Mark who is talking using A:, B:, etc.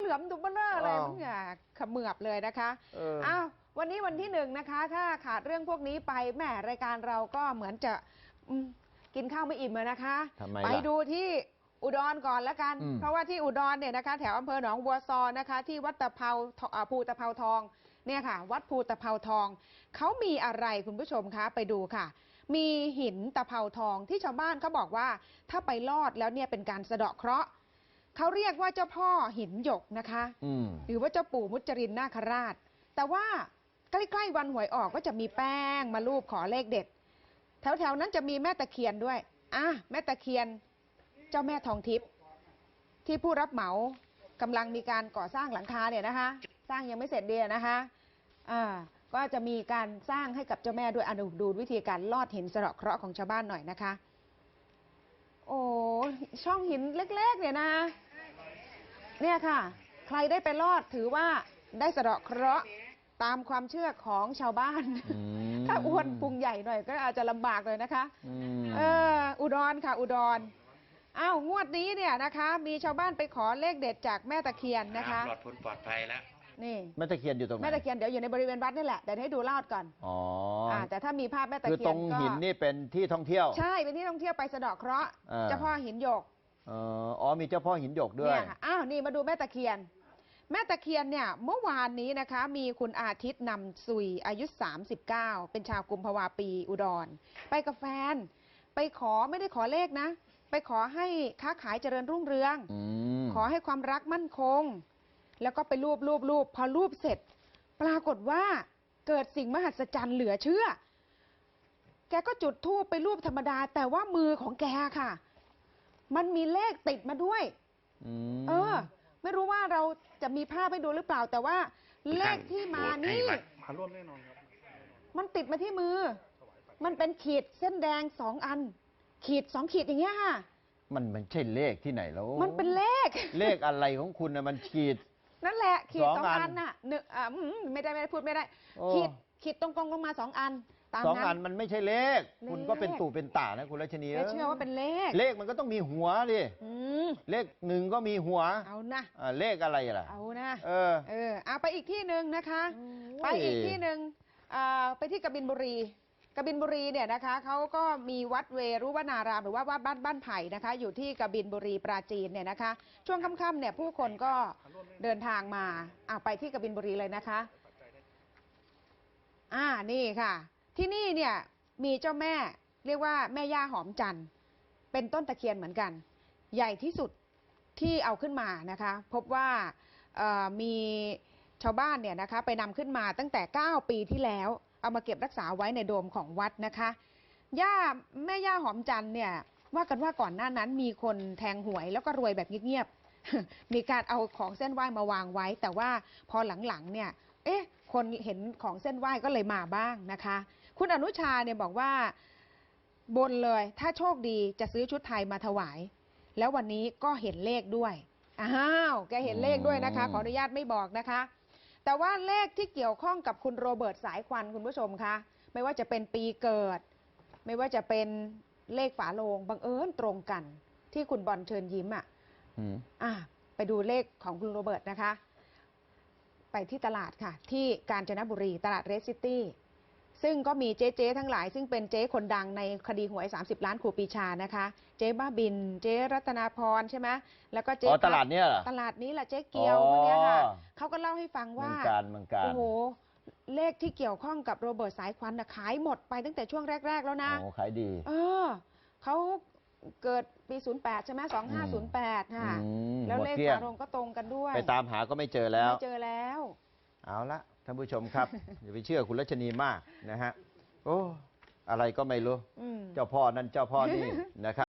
A: ลือมดุบเบลเลอร์อะไรมันอย่าขมือบเลยนะคะอ้าววันนี้วันที่1นะคะถ้าขาดเรื่องพวกนี้ไปแหมรายการเราก็เหมือนจะกินข้าวไม่อิ่มเลยนะคะไปดูที่อุดรก่อนแล้วกันเพราะว่าที่อุดรเนี่ยนะคะแถวอำเภอหนองบัวซอนะคะที่วัดตะเภาภูตะเภาทองเนี่ยค่ะวัดภูตะเภาทองเขามีอะไรคุณผู้ชมคะไปดูค่ะมีหินตะเภาทองที่ชาวบ้านเขาบอกว่าถ้าไปลอดแล้วเนี่ยเป็นการสะเดาะเคราะห์เขาเรียกว่าเจ้าพ่อหินหยกนะคะหรือว่าเจ้าปู่มุจรินนาคราชแต่ว่าใกล้ๆวันหวยออกก็จะมีแป้งมาลูบขอเลขเด็ดแถวๆนั้นจะมีแม่ตะเคียนด้วยแม่ตะเคียนเจ้าแม่ทองทิพย์ที่ผู้รับเหมากำลังมีการก่อสร้างหลังคาเนี่ยนะคะสร้างยังไม่เสร็จดีนะคะก็จะมีการสร้างให้กับเจ้าแม่ด้วยดูวิธีการลอดหินสะเดาะเคราะห์ของชาวบ้านหน่อยนะคะโอ้ช่องหินเล็กๆเนี่ยนะเนี่ยค่ะใครได้ไปลอดถือว่าได้สะเดาะเคราะห์ตามความเชื่อของชาวบ้านถ้าอ้วนพุงใหญ่หน่อยก็อาจจะลำบากเลยนะคะอุดรค่ะอุดร งวดนี้เนี่ยนะคะมีชาวบ้านไปขอเลขเด็ดจากแม่ตะเคียนนะคะปลอดพ้นปลอดภัยแล้วนี่
B: แม่ตะเคียนอยู่ตรงไหน
A: แม่ตะเคียนเดี๋ยวอยู่ในบริเวณวัดนี่แหละแต่ให้ดูลอดก่อนแต่ถ้ามีภาพแม่ตะเคียน
B: คือตรงหินนี่เป็นที่ท่องเที่ยว
A: ใช่เป็นที่ท่องเที่ยวไปสะเดาะเคราะห์เจ้าพ่อหินหยก
B: มีเจ้าพ่อหินหยกด้วย
A: นี่มาดูแม่ตะเคียนแม่ตะเคียนเนี่ยเมื่อวานนี้นะคะมีคุณอาทิตย์นำซุยอายุ39เป็นชาวกุมภาวาปีอุดรไปกับแฟนไปขอไม่ได้ขอเลขนะไปขอให้ค้าขายเจริญรุ่งเรืองขอให้ความรักมั่นคงแล้วก็ไปรูปพอรูปเสร็จปรากฏว่าเกิดสิ่งมหัศจรรย์เหลือเชื่อแกก็จุดธูปไปรูปธรรมดาแต่ว่ามือของแกค่ะมันมีเลขติดมาด้วยไม่รู้ว่าเราจะมีภาพให้ดูหรือเปล่าแต่ว่าเลขที่มานี่มาร่วมแน่นอนครับมันติดมาที่มือมันเป็นขีดเส้นแดง2 อันขีด2 ขีดอย่างเงี้ยค่ะ
B: มันไม่ใช่เลขที่ไหนแล้ว
A: มันเป็นเลข
B: อะไรของคุณนะมันขีด
A: นั่นแหละขีด2 อันน่ะไม่ได้พูดไม่ได้ขีดตรงๆลงมา2 อันตามนั้น
B: 2 อันมันไม่ใช่เลขคุณก็เป็นตู่เป็นตานะคุณรัชนี
A: เชื่อว่าเป็น
B: เลขมันก็ต้องมีหัวดิเลข1ก็มีหัว
A: เอานะ
B: เลขอะไรล่ะ
A: เอานะเอาไปอีกที่หนึ่งนะคะไปอีกที่หนึ่งไปที่กบินบุรีเนี่ยนะคะเขาก็มีวัดเวรุวนารามหรือว่าวัดบ้านไผ่นะคะอยู่ที่กบินบุรีปราจีนเนี่ยนะคะช่วงค่ำๆเนี่ยผู้คนก็เดินทางมาไปที่กบินบุรีเลยนะคะนี่ค่ะที่นี่เนี่ยมีเจ้าแม่เรียกว่าแม่ย่าหอมจันทร์เป็นต้นตะเคียนเหมือนกันใหญ่ที่สุดที่เอาขึ้นมานะคะพบว่ามีชาวบ้านเนี่ยนะคะไปนำขึ้นมาตั้งแต่9 ปีที่แล้วเอามาเก็บรักษาไว้ในโดมของวัดนะคะแม่ย่าหอมจันทร์เนี่ยว่ากันว่าก่อนหน้านั้นมีคนแทงหวยแล้วก็รวยแบบเงียบๆมีการเอาของเส้นไหว้มาวางไว้แต่ว่าพอหลังๆเนี่ยคนเห็นของเส้นไหว้ก็เลยมาบ้างนะคะคุณอนุชาเนี่ยบอกว่าบนเลยถ้าโชคดีจะซื้อชุดไทยมาถวายแล้ววันนี้ก็เห็นเลขด้วยแกเห็นเลขด้วยนะคะขออนุญาตไม่บอกนะคะแต่ว่าเลขที่เกี่ยวข้องกับคุณโรเบิร์ตสายควันคุณผู้ชมคะไม่ว่าจะเป็นปีเกิดไม่ว่าจะเป็นเลขฝาโลงบังเอิญตรงกันที่คุณบอลเชิญยิ้มไปดูเลขของคุณโรเบิร์ตนะคะไปที่ตลาดค่ะที่กาญจนบุรีตลาดเรสซิตี้ซึ่งก็มีเจ๊ทั้งหลายซึ่งเป็นเจ๊คนดังในคดีหวย30 ล้านครูปีชานะคะเจ๊บ้าบินเจ๊รัตนาพรใช่ไหมแล้วก็เจ๊
B: ตลาดนี้เหรอ
A: ตลาดนี้แหละเจ๊เกียวพวกนี้ค่ะเขาก็เล่าให้ฟังว่าโอ้โหเลขที่เกี่ยวข้องกับโรเบิร์ตสายควันขายหมดไปตั้งแต่ช่วงแรกๆแล้วนะ
B: ขายดี
A: เขาเกิดปี08ใช่ไหม2508ค่ะแล้วเลขฝาโลงก็ตรงกันด้วย
B: ไปตามหาก็ไม่เจอแล้วเอาละท่านผู้ชมครับ อย่าไปเชื่อคุณรัชนีมากนะฮะอะไรก็ไม่รู้เจ้าพ่อนั่นเจ้าพ่อนี่นะครับ